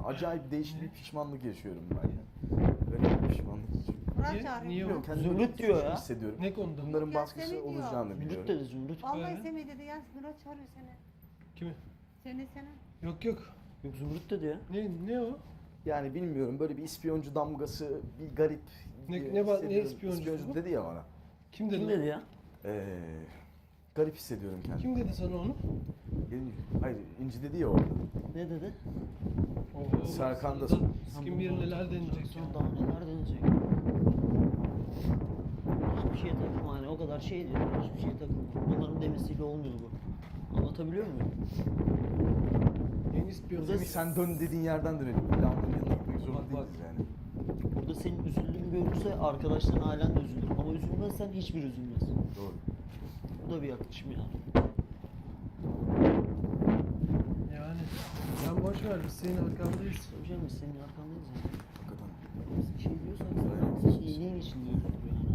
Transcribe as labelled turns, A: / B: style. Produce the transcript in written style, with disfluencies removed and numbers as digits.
A: Acayip değişik bir pişmanlık yaşıyorum ben ya. Böyle bir pişmanlık yaşıyorum.
B: Murat
C: Niye-
B: çağırıyor.
C: niye
A: Bilmiyorum,
C: o?
A: kendimi
D: Zümrüt diyor
A: suçlu
D: ya.
A: hissediyorum.
C: Ne konuda?
A: Bunların
B: Ya
A: baskısı
B: seni diyor.
A: olacağını
D: Zümrüt
A: biliyorum.
D: dedi Zümrüt.
B: Vallahi
C: He.
B: Semih dedi ya Murat çağırıyor seni.
C: Kimi?
B: Seni.
C: Yok yok.
D: Yok Zümrüt dedi ya.
C: Ne o?
A: Yani bilmiyorum, böyle bir ispiyoncu damgası, bir garip.
C: Ne
A: hissediyorum.
C: ispiyoncusu bu?
A: dedi ya bana.
C: Kim dedi?
D: Kim
C: o?
D: dedi ya?
A: Garip hissediyorum kendimi.
C: Kim dedi sana onu?
A: Hayır, İnci dedi ya orada.
D: Ne dedi?
C: Oo,
A: Serkan da-
C: Kim bilir neler deneyecek ya.
D: Sonra daha neler deneyecek? Hiçbir şeye takılma hani o kadar şey diyor. Hiçbir şeye takılma. Onların demesiyle olmuyor bu. Anlatabiliyor muyum?
C: En ispiyonu.
A: Semih, sen dön dediğin yerden dönelim. İlla onun yanına gitmek zorunda
C: Bak, bak.
A: değiliz yani.
D: Burada senin üzüldüğünü görürse arkadaşların ailen de üzülür. Ama üzülmezsen hiçbir üzülmez.
A: Doğru.
D: Bu da bir yaklaşım yani.
C: Yani. Sen boş ver, biz senin arkandayız.
D: Tabii canım biz senin arkandayız yani.
A: Hakikaten.
D: Biz bir şey diyorsak
A: Aynen.
D: zaten iyiliğin için diyoruz yani.